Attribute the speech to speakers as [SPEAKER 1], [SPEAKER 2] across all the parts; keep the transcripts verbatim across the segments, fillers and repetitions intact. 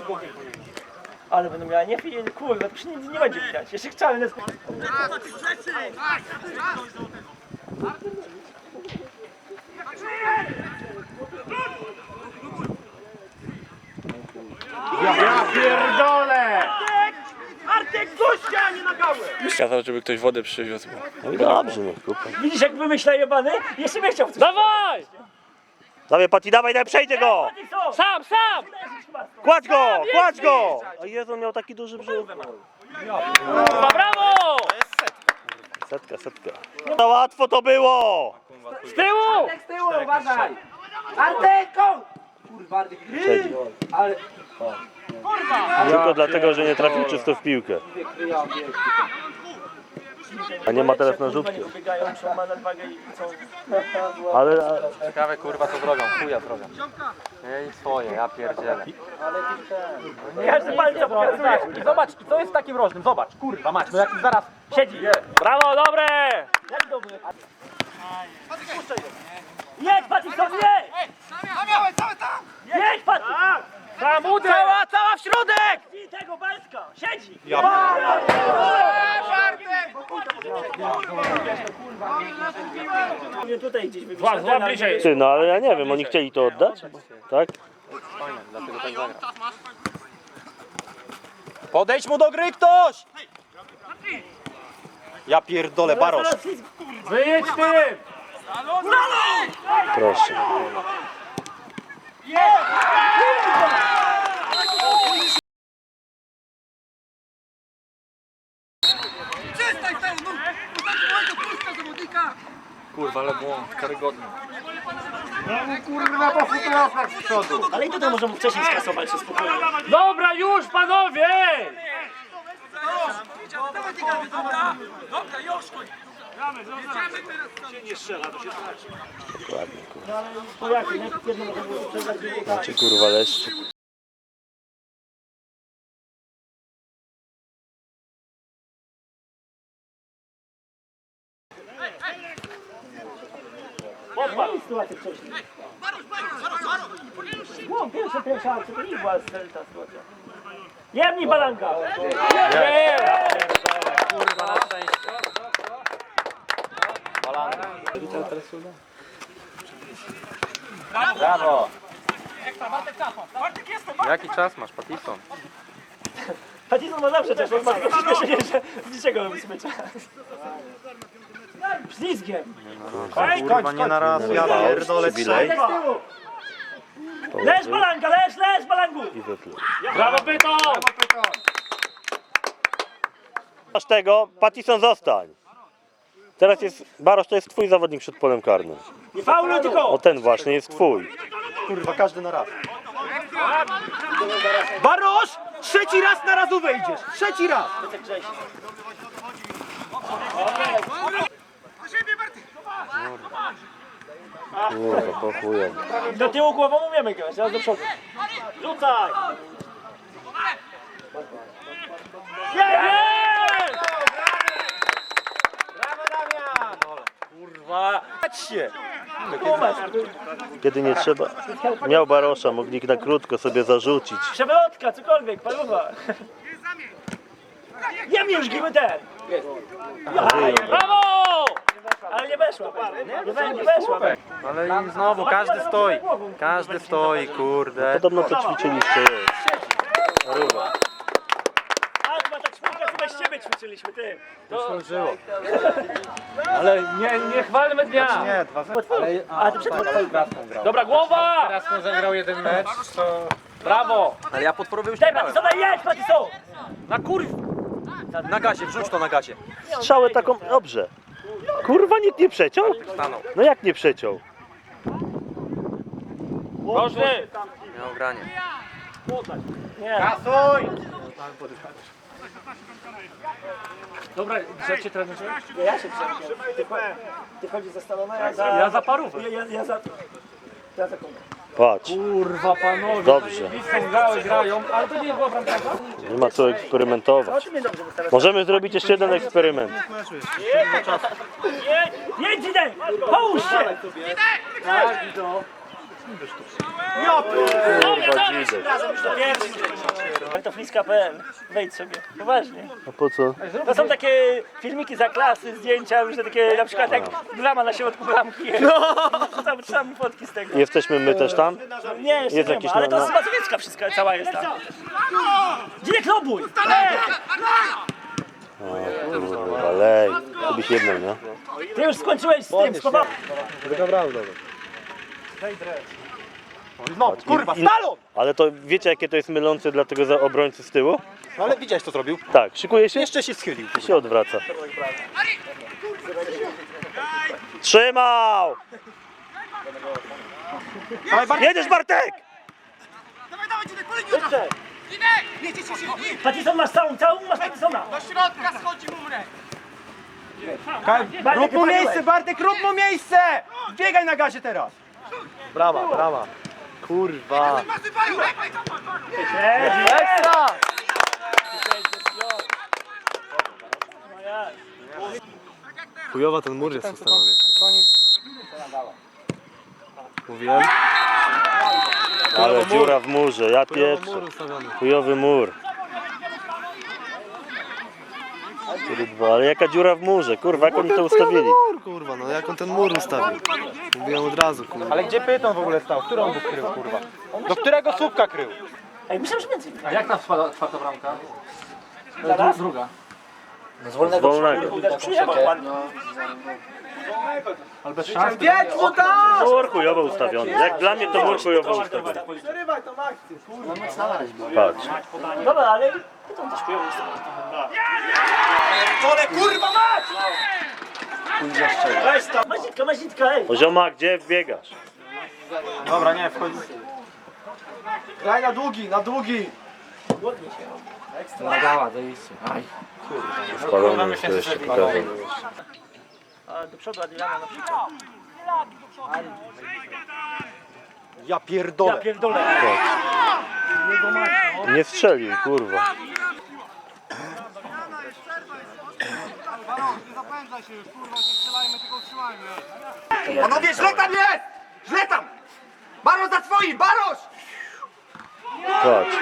[SPEAKER 1] Ale będą miała nie film, kurwa, to już nie, nie będzie widać. Jeszcze chciałem nas...
[SPEAKER 2] Ja pierdolę!
[SPEAKER 1] Artek, gościa, a nie na gałę!
[SPEAKER 3] Kazał, żeby ktoś wodę przywiózł.
[SPEAKER 4] No i dobrze, no kupa.
[SPEAKER 1] Widzisz, jak wymyśla jebany? Jeszcze mnie chciał coś.
[SPEAKER 3] Dawaj!
[SPEAKER 4] Dawaj, Pati, dawaj, daj, przejdzie go!
[SPEAKER 3] Sam, sam!
[SPEAKER 4] Kładź go, kładź go! A Jezu, on miał taki duży brzuch.
[SPEAKER 3] Kurwa, brawo!
[SPEAKER 4] Setka, setka. Za łatwo to było!
[SPEAKER 3] Z tyłu!
[SPEAKER 1] Z tyłu, uważaj! Arteko! Kurwa, Artek,
[SPEAKER 4] Przejdzie.
[SPEAKER 1] ale...
[SPEAKER 4] Tylko dlatego, że nie trafił czysto w piłkę. A nie ma teraz na rzutkę.
[SPEAKER 1] Biegają, muszą ma nadwagę i chcą...
[SPEAKER 4] Ale
[SPEAKER 5] Ciekawe kurwa co zrobią, chuja zrobią. Ej swoje, ja pierdzielę.
[SPEAKER 1] Każdy palca pokazuje.
[SPEAKER 2] I zobacz, i co jest takim rożnym? Zobacz, kurwa mać, no jak zaraz
[SPEAKER 1] Siedzi.
[SPEAKER 3] Brawo, dobre!
[SPEAKER 1] Jak dobry. Jedź, Patison, jedź! Jedź, Patison!
[SPEAKER 3] Tam uder! Cała, cała w środek!
[SPEAKER 1] I tego Balska, siedzi! Ja tutaj gdzieś
[SPEAKER 3] Złap, złap bliżej.
[SPEAKER 4] ty, no ale ja nie wiem, oni chcieli to oddać? Tak?
[SPEAKER 5] Fajne, dlatego tak zagra.
[SPEAKER 2] Podejdź mu do gry ktoś! Ja pierdolę, Barosz.
[SPEAKER 3] Wyjedź tym!
[SPEAKER 4] Proszę.
[SPEAKER 5] Kurwa, ale błąd, karygodny.
[SPEAKER 2] Kurwa, po futrasach z przodu.
[SPEAKER 1] Ale i tutaj możemy wcześniej skasować się spokojnie.
[SPEAKER 3] Dobra, już panowie!
[SPEAKER 4] Dokładnie, kurwa.
[SPEAKER 1] To jak, nie? Jedno może było sprzedać, drugie tak.
[SPEAKER 4] Czy kurwa leszczy?
[SPEAKER 1] Sytuację wcześniej. No, pierwsza, pierwsza akcja, to nie była ta sytuacja. Jemnij balanka!
[SPEAKER 3] Nie!
[SPEAKER 5] Kurwa, na szczęście. Brawo! Jaki czas masz, Patison?
[SPEAKER 1] Patison ma zawsze czas, on ma przyspieszenie, że z niczego robi sobie czas. Ślizgiem!
[SPEAKER 2] Kurwa, nie na raz, ja pierdolę, trzej.
[SPEAKER 1] Tak z tyłu! Leż balanka, leż, leż balangu!
[SPEAKER 4] I wypluł.
[SPEAKER 3] Brawo, Pyton!
[SPEAKER 4] Masz tego, Patison zostań. Teraz jest, Barosz to jest twój zawodnik przed polem karnym.
[SPEAKER 1] Nie fauluj tylko!
[SPEAKER 4] O ten właśnie jest twój.
[SPEAKER 2] Kurwa, każdy na raz. Barosz! Trzeci raz na razu wejdziesz! Trzeci raz!
[SPEAKER 4] Kurwa, po chujem.
[SPEAKER 1] Do tyłu głową umiemy grać, teraz do przodu. Rzucaj!
[SPEAKER 3] Jest!
[SPEAKER 2] Brawo, Damian!
[SPEAKER 3] Kurwa!
[SPEAKER 2] Patrzcie!
[SPEAKER 4] Kiedy nie trzeba, miał Barosza, mogli na krótko sobie zarzucić.
[SPEAKER 1] Przewrotka, cokolwiek, paruwa. Jem już, gimy ten!
[SPEAKER 3] Brawo!
[SPEAKER 1] Ale nie weszła, nie, we, nie weszła.
[SPEAKER 5] Ale i znowu każdy stoi. Każdy stoi, kurde.
[SPEAKER 4] Podobno to ćwiczyliście jest. Ruba.
[SPEAKER 1] A chyba ta czwórka, co bez ciebie ćwiczyliśmy, ty.
[SPEAKER 5] Służyło.
[SPEAKER 3] Ale nie, nie chwalmy dnia!
[SPEAKER 2] Nie, dwa zero.
[SPEAKER 1] A ty przed
[SPEAKER 3] Dobra, głowa!
[SPEAKER 5] Teraz on zagrał jeden mecz, to...
[SPEAKER 3] Brawo!
[SPEAKER 2] Ale ja podporowy już
[SPEAKER 1] Daj,
[SPEAKER 2] nie brałem.
[SPEAKER 1] Patison, jedź, Patison!
[SPEAKER 3] Na kurw!
[SPEAKER 2] Na gazie, wrzuć to na gazie.
[SPEAKER 4] Strzałę taką, dobrze. Kurwa, nikt nie przeciął?
[SPEAKER 5] Stanął.
[SPEAKER 4] No jak nie przeciął?
[SPEAKER 3] Możny!
[SPEAKER 5] Miał granie.
[SPEAKER 1] Nie.
[SPEAKER 2] Kasuj!
[SPEAKER 3] Dobra, grzecie trenerze?
[SPEAKER 1] Ja, ja się przejmuję. Ty, ty chodzisz za Stalona, ja za...
[SPEAKER 3] Ja za parówę.
[SPEAKER 1] Ja, ja, ja za... Ja za kogo?
[SPEAKER 4] Patrz,
[SPEAKER 3] Kurwa panowie,
[SPEAKER 4] dobrze.
[SPEAKER 3] są grały, grają, ale to nie była bramka.
[SPEAKER 4] Nie ma co eksperymentować.
[SPEAKER 1] Ty mnie dobrze wystawiasz.
[SPEAKER 4] Możemy zrobić jeszcze jeden eksperyment.
[SPEAKER 1] Jedź, jedź, Zidek! Połóż się!
[SPEAKER 4] Kurwa, dzidy.
[SPEAKER 1] Ale to fliska kropka p l. Wejdź sobie. Poważnie.
[SPEAKER 4] A po co?
[SPEAKER 1] To są takie filmiki za klasy, zdjęcia, różne takie, na przykład jak drama na środku bramki. No! Wrzucam, wrzucam fotki z tego.
[SPEAKER 4] Jesteśmy my też tam?
[SPEAKER 1] Nie, jeszcze
[SPEAKER 4] Jest
[SPEAKER 1] nie
[SPEAKER 4] jakiś
[SPEAKER 1] ma, ale
[SPEAKER 4] no-
[SPEAKER 1] to z Mazowiecka wszystko, cała jest tam. Dzinek, lobuj!
[SPEAKER 4] Kurwa, lej. To byś jedną, nie?
[SPEAKER 1] Ty już skończyłeś z tym, skowałem.
[SPEAKER 2] No, kurwa,
[SPEAKER 4] I-
[SPEAKER 2] stalon!
[SPEAKER 4] Ale to wiecie jakie to jest mylące dla tego za obrońcy z tyłu?
[SPEAKER 2] No ale widziałeś co zrobił?
[SPEAKER 4] Tak, szykuje się
[SPEAKER 2] Jeszcze się schylił.
[SPEAKER 4] i się odwraca. Trzymał!
[SPEAKER 2] Dawaj, Bartek!
[SPEAKER 4] Jedziesz Bartek!
[SPEAKER 1] Patison masz całą, całą masz Patisona.
[SPEAKER 2] Rób mu miejsce, Bartek, rób mu miejsce! Biegaj na gazie teraz!
[SPEAKER 5] Brama, brama. Kurwa.
[SPEAKER 2] Ekstra!
[SPEAKER 5] Chujowa ten mur jest ustawiony. Mówiłem?
[SPEAKER 4] Ale dziura w murze, ja pieprzę.
[SPEAKER 5] Mur ustawiony.
[SPEAKER 4] Chujowy mur. Kurwa, ale jaka dziura w murze, kurwa, jak oni to ustawili?
[SPEAKER 5] Mur, kurwa, no jak on ten mur ustawił? Mówiłem od razu, kurwa.
[SPEAKER 2] Ale gdzie Pyton w ogóle stał? Którą on krył, kurwa? Do którego słupka krył?
[SPEAKER 1] Ej, myślałem, że więcej.
[SPEAKER 3] A jak tam spada czwarta bramka?
[SPEAKER 1] Zaraz?
[SPEAKER 3] Druga.
[SPEAKER 4] Z wolnego.
[SPEAKER 1] Przyjechał pan.
[SPEAKER 3] Ale bez szans.
[SPEAKER 2] Pięć mu tam!
[SPEAKER 4] Mur chujowo ustawiony. Jak dla mnie to mur chujowo ustawiony.
[SPEAKER 2] Przerywaj tą akcję, kurwa.
[SPEAKER 4] Patrz.
[SPEAKER 1] Dobra, ale to też chujowo jest.
[SPEAKER 2] Czole, kurwa, mać!
[SPEAKER 1] Weź tam. Mazitka, mazitka, ej.
[SPEAKER 4] O zioma, gdzie biegasz?
[SPEAKER 2] Dobra, nie, wchodzi. Graj na długi, na długi!
[SPEAKER 3] Nagała, zajebiście. Aj.
[SPEAKER 4] Spalony to jeszcze pokażę.
[SPEAKER 1] A do przodu Adriana na przykład.
[SPEAKER 2] Ja
[SPEAKER 1] Ja
[SPEAKER 2] pierdolę.
[SPEAKER 1] pierdolę.
[SPEAKER 4] Nie strzelił, kurwa.
[SPEAKER 2] Panowie, źle tam jest! Źle tam! Barosz za swoim, Barosz!
[SPEAKER 4] Patrz.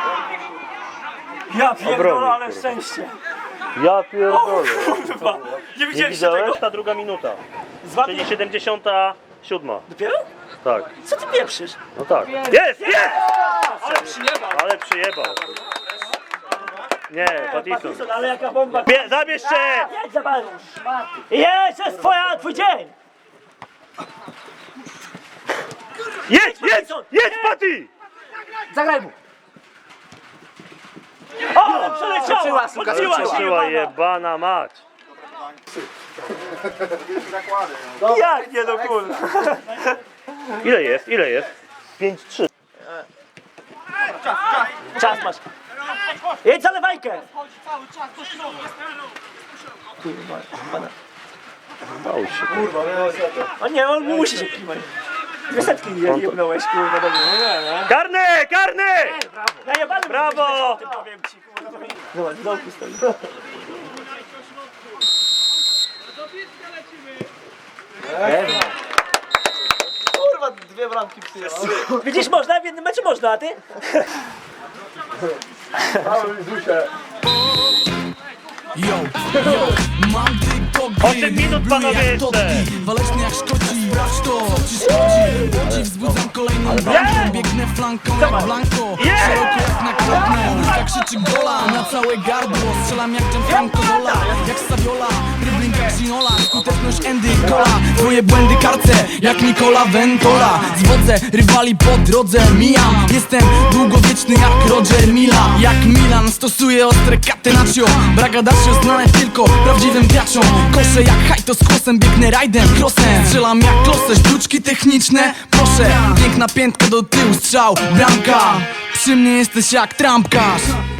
[SPEAKER 1] Ja pierdolę,
[SPEAKER 4] Obronił,
[SPEAKER 1] ale
[SPEAKER 4] kurwa.
[SPEAKER 1] szczęście.
[SPEAKER 4] Ja pierdolę.
[SPEAKER 1] Kurwa, nie
[SPEAKER 4] Nie
[SPEAKER 1] widzieliście tego?
[SPEAKER 4] widziałeś? Ta druga minuta.
[SPEAKER 1] Złapie...
[SPEAKER 4] Czyli siedemdziesiąta siódma.
[SPEAKER 1] Dopiero?
[SPEAKER 4] Tak.
[SPEAKER 1] Co ty pieprzysz?
[SPEAKER 4] No tak. Jest, jest!
[SPEAKER 1] Ale przyjebał.
[SPEAKER 4] Ale przyjebał. Nie, Patison.
[SPEAKER 1] Patison, ale jaka bomba.
[SPEAKER 4] Bie, zabierz się!
[SPEAKER 1] Jedź za Barusz. Jest, jest twoja, twój dzień.
[SPEAKER 4] Jedź, jedź! Jedź, Pati!
[SPEAKER 1] Zagraj mu. O, przeleciała. Odbiła się.
[SPEAKER 4] Skoczyła jebana mać.
[SPEAKER 1] Jak nie do kurwa.
[SPEAKER 4] Ile jest? Ile jest? pięć trzy.
[SPEAKER 1] Czas masz. Jedź za lewajkę.
[SPEAKER 4] Bał się.
[SPEAKER 1] O nie, on musi się kimać. Dwie setki nie jebnąłeś, kurwa, do mnie.
[SPEAKER 4] Karny! Karny!
[SPEAKER 1] Najebany
[SPEAKER 4] Brawo!
[SPEAKER 1] ty powiem ci, kurwa. Zobacz, w dołku stoi.
[SPEAKER 2] Kurwa, dwie bramki przyjechał.
[SPEAKER 1] Widzisz, można, w jednym meczu można, a ty?
[SPEAKER 6] Yo, yo, mam tylko
[SPEAKER 4] osiem minut, panowie, jeszcze.
[SPEAKER 6] Waleczny jak Szkoci, sprawdź to, co ci szkodzi. Łodzi wzbudzam kolejną bramkę, biegnę flanką jak Blanco. Szeroko jak na kroknę, Luka krzyczy gola na całe gardło. Strzelam jak Gianfranco Zola, jak Saviola, dribbling jak Ginola. Skuteczność Andy Cola, twoje błędy karce jak Nicola Ventola. Zwodzę rywali po drodze, mijam. Jestem długowieczny jak Roger Mila. Jak Milan stosuję ostre catenaccio. Bragadaccio znane tylko prawdziwym graczom. Koszę jak hajto z kłosem, biegnę rajdem, crossem. Strzelam jak klosę, sztuczki techniczne, proszę. Piękna piętka do tyłu, strzał, bramka. Przy mnie jesteś jak trampkarz.